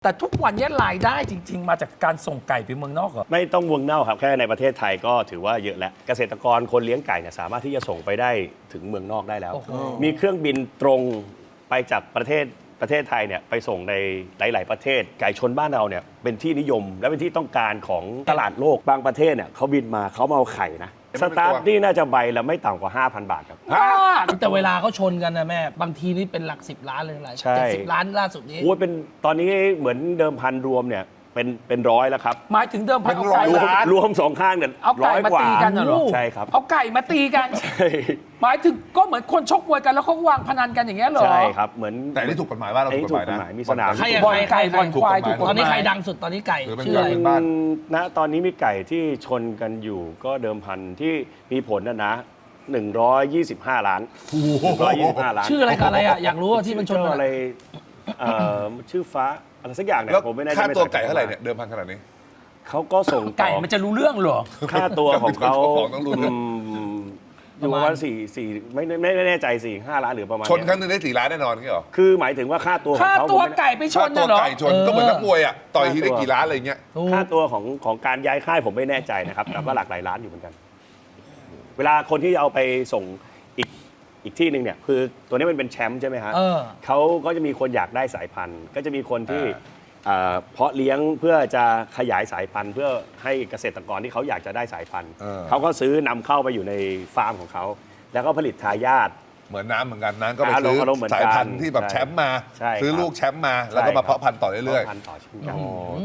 แต่ทุกวันนี้รายได้จริง ๆ มาจากการส่งไก่ไปเมืองนอกเหรอไม่ต้องเมืองนอกครับแค่ในประเทศไทยก็ถือว่าเยอะแล้วเกษตรกรคนเลี้ยงไก่เนี่ยสามารถที่จะส่งไปได้ถึงเมืองนอกได้แล้ว มีเครื่องบินตรงไปจากประเทศไทยเนี่ยไปส่งในหลาย ๆ ประเทศไก่ชนบ้านเราเนี่ยเป็นที่นิยมและเป็นที่ต้องการของตลาดโลกบางประเทศเนี่ยเขาบินมาเขามาเอาไข่นะสตาร์ทนี่น่าจะใบละไม่ต่ำกว่า 5,000 บาทครับแต่เวลาเขาชนกันนะแม่บางทีนี่เป็นหลัก10 ล้านเลยหลายใช่ 70 ล้านล่าสุดนี้โอ้ยเป็นตอนนี้เหมือนเดิมพันรวมเนี่ยเป็นร้อยแล้วครับหมายถึงเดิมพันเอาไก่รวมสองข้างเนี่ยเอาไก่ 100 มากว่าตีกันน่ะเหรอใช่ครับเอาไก่มาตีกันใช่หมายถึงก็เหมือนคนชกมวยกันแล้วเขาวางพนันกันอย่างเงี้ยเหรอใช่ครับเหมือนแต่อันนี่ถูกกฎหมายว่าเราอันถูนี้กกฎหมายถูกกฎนะหมายมีสนามใครอะบอลไก่บอลควายถูกกฎหมายตอนนี้ใครดังสุดตอนนี้ไก่ถือเป็นชื่ออะไรเป็นบ้านตอนนี้มีไก่ที่ชนกันอยู่ก็เดิมพันที่มีผลนะ125 ล้าน125 ล้านชื่ออะไรกับอะไรอะอยากรู้ว่าที่มันชนชื่อกันอะไรชื่อฟ้าอะไรสักอย่างเนี่ยแล้วผมไม่แน่ใจค่าไม่ตัวใส่ไก่เท่าไหร่เนี่ยเดิมพันขนาดนี้เขาก็ส่งต่อไก่มันจะรู้เรื่องเหรอค่าตัวของเขาเจ้าของต้องรู้นะอยู่ประมาณสี่ไม่แน่ใจ4-5 ล้านหรือประมาณชนครั้งเยหนึงได้4 ล้านแน่นอนงี้เหรอคือหมายถึงว่าค่าตัวของค่าเขาตัวผมไม่ไก่ไปชค่าน ตัวน่ะเหรอไก่ชนก็เหมือนนักมวยอ่ะต่อยทีได้กี่ล้านอะไรเงี้ยถูกค่าตัวของการย้ายค่ายผมไม่แน่ใจนะครับ แต่ก็หลักหลายล้านอยู่เหมือนกัน เวลาคนที่เอาไปส่งอีกที่หนึ่งเนี่ยคือตัวนี้มันเป็นแชมป์ใช่ไหมฮะเออเขาก็จะมีคนอยากได้สายพันธุ์ ก็จะมีคนที่เพาะเลี้ยงเพื่อจะขยายสายพันธุ์ เพื่อให้เกษตรกรที่เขาอยากจะได้สายพันธุ์ เขาก็ซื้อนำเข้าไปอยู่ในฟาร์มของเขาแล้วก็ผลิตทายาทเหมือนน้ำเหมือนกันน้ำก็ไปซื้ออารมณ์เหมือนกันสายพันธุ์ที่แบบแชมป์มาใช่ซื้อครับลูกแชมป์มาแล้วก็มาเพาะพันธุ์ต่อเรื่อยเพาะพันธุ์ต่อเช่นกัน